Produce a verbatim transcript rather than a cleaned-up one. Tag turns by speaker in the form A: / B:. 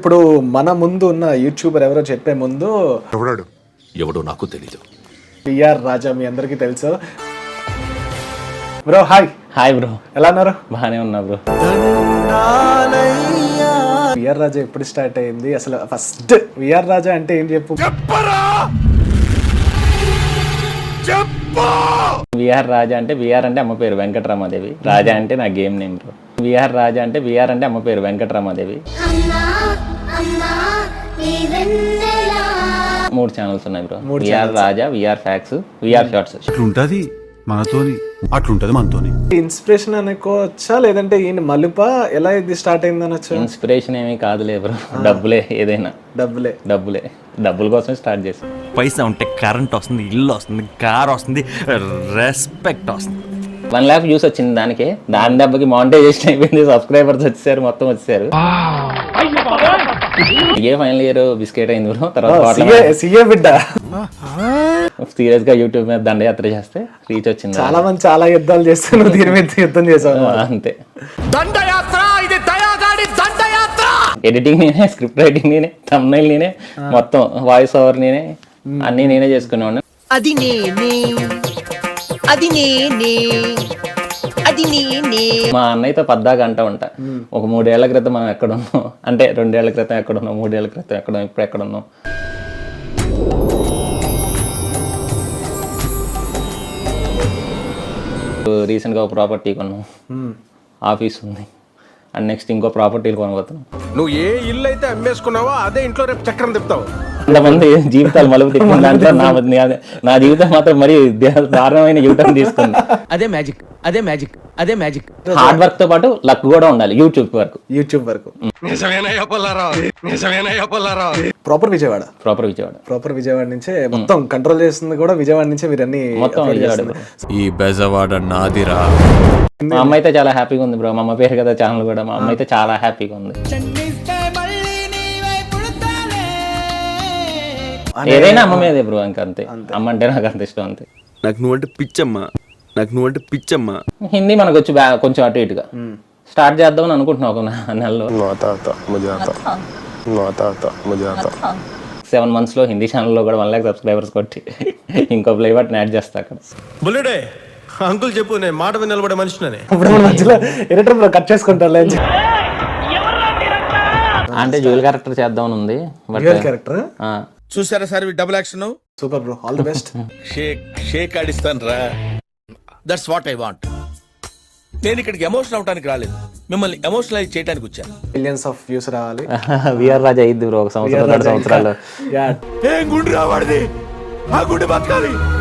A: ఇప్పుడు మన ముందు ఉన్న యూట్యూబర్ ఎవరో చెప్పే ముందు
B: ఎవడాడు ఎవడో నాకు తెలీదు.
A: పిఆర్ రాజా మీ అందరికీ తెలుసు. Bro hi.
C: హాయ్ బ్రో,
A: ఎలా ఉన్నారు?
C: బాగానే ఉన్నా బ్రో.
A: పిఆర్ రాజా ఎప్పుడు స్టార్ట్ అయింది అసలు? ఫస్ట్ పిఆర్ రాజా అంటే ఏం చెప్పు.
C: విఆర్ రాజా అంటే విఆర్ అంటే అమ్మ పేరు వెంకటరామాదేవి, రాజా అంటే నా game name bro. VR Raja అంటే విఆర్ అంటే అమ్మ పేరు వెంకటరామాదేవి. మూడు ఛానల్స్ ఉన్నాయి bro. VR Raja, VR facts, VR shorts.
B: అట్లుంటది మనతోని, అట్లుంటది మనతోని.
A: ఇన్స్పిరేషన్ అనుకోవచ్చా లేదంటే ఈయన మలుప ఎలా ఇది స్టార్ట్ అయింది అనొచ్చు?
C: ఇన్స్పిరేషన్ ఏమీ కాదులే బ్రో, డబ్బులే ఏదైనా.
A: డబ్బులే
C: డబ్బులే డబ్బుల కోసమే స్టార్ట్ చేసాం.
D: పైసా ఉంటే కరెంట్ వస్తుంది, ఇల్లు వస్తుంది, కార్ వస్తుంది, రెస్పెక్ట్ వస్తుంది.
C: వన్ ల్యాక్ వ్యూస్ వచ్చింది దానికి. దాని దెబ్బకి మానిటైజేషన్ అయిపోయింది, సబ్స్క్రైబర్స్ వచ్చేసారు, మొత్తం వచ్చేసారు. ఏ ఫైనల్ ఇయర్ బిస్కెట్ అయింది బ్రో. తర్వాత
A: సీఏ బిడ్డ
C: సీరియస్ గా యూట్యూబ్ మీద దండయాత్ర చేస్తే రీచ్ వచ్చింది.
A: చాలా మంది చాలా యుద్ధాలు చేస్తారు, దీని మీద యుద్ధం చేసావు
C: అంతే. ఎడిటింగ్ నేనే, స్క్రిప్ట్ రైటింగ్ నేనే, థంబ్నైల్ నేనే, మొత్తం వాయిస్ ఓవర్ నేనే, అన్ని నేనే చేసుకునేవాడిని.
E: అది నేనే అది నేనే అది నేనే.
C: మా అన్నయ్యతో పద్దాగా అంటా ఉంటా, ఒక మూడేళ్ల క్రితం మనం ఎక్కడున్నాం అంటే, రెండేళ్ల క్రితం ఎక్కడున్నాం, మూడేళ్ల క్రితం ఎక్కడున్నాం, ఇప్పుడు ఎక్కడున్నాం. రీసెంట్ గా ఒక ప్రాపర్టీ కొన్నాం, ఆఫీస్ ఉంది, అండ్ నెక్స్ట్ ఇంకో ప్రాపర్టీలు కొనబోతున్నాం.
F: నువ్వు ఏ ఇల్లు అయితే అమ్మేసుకున్నావో అదే ఇంట్లో రేపు చక్రం తిప్పుతావు.
C: కొంతమంది జీవితాలు మలుపు తిప్పిన దాంట్లో నా నా జీవితం మాత్రం మరి దారుణమైన జీవితం తీసుకుంది.
E: అదే మ్యాజిక్ అదే మ్యాజిక్ అదే మ్యాజిక్.
C: హార్డ్ వర్క్ తో పాటు లక్ కూడా ఉండాలి యూట్యూబ్ వరకు.
A: యూట్యూబ్ వరకు proper Vijayawada.
C: Proper Vijayawada.
A: Proper Vijayawada నుంచే మొత్తం కంట్రోల్ చేస్తుంది కూడా విజయవాడ నుంచే మీరు అన్ని
C: మొత్తం విజయవాడ.
D: ఈ బెజవాడ నాదిరా.
C: మా అమ్మ అయితే చాలా హ్యాపీగా ఉంది బ్రో. మా అమ్మ పేరు కదా ఛానల్ కూడా. మా అమ్మ అయితే చాలా హ్యాపీగా ఉంది. ఏదైనా అమ్మ మీదే బ్రో, ఇంకా అంతే. అమ్మ అంటే నాకు అంత ఇష్టం అంతే.
D: నాకు నువ్వంటే పిచ్చమ్మా, నాకు నువ్వంటే పిచ్చమ్మా.
C: హిందీ మనకు వచ్చి కొంచెం అటు ఇటుగా స్టార్ట్ చేద్దామని అనుకుంటున్నావు ఒక నెలలో. సెవెన్ మంత్స్ లో హిందీ ఛానల్లో కూడా వన్ లాక్ సబ్స్క్రైబర్స్ కొట్టి ఇంకో ప్లే బటన్ యాడ్ చేస్తా అక్కడ.
F: బుల్లుడే అంకుల్ చెప్పు, నేను మాట మీద నిలబడే మనిషినే.
A: ఇప్పుడు మధ్యలో ఎడిటర్ కట్ చేసుకుంటారు
C: అంటే జ్యువెల్ క్యారెక్టర్ చేద్దామని ఉంది.
A: క్యారెక్టర్
F: చూసారా sir double action.
A: Super bro, all the best.
F: Shake shake ఆడిస్తాను రా. That's what I want. నేను ఇక్కడికి ఎమోషనల్ అవడానికి రాలేదు, మిమ్మల్ని ఎమోషనలైజ్ చేయడానికి వచ్చాను.
A: మిలియన్స్ ఆఫ్ వ్యూస్ రావాలి.
C: విఆర్ రాజా అయ్యిద్ది బ్రో ఒక సంవత్సరం రెండు సంవత్సరాలు.
F: ఏం గుండు రావాడిది, ఆ గుండు బతకాలి.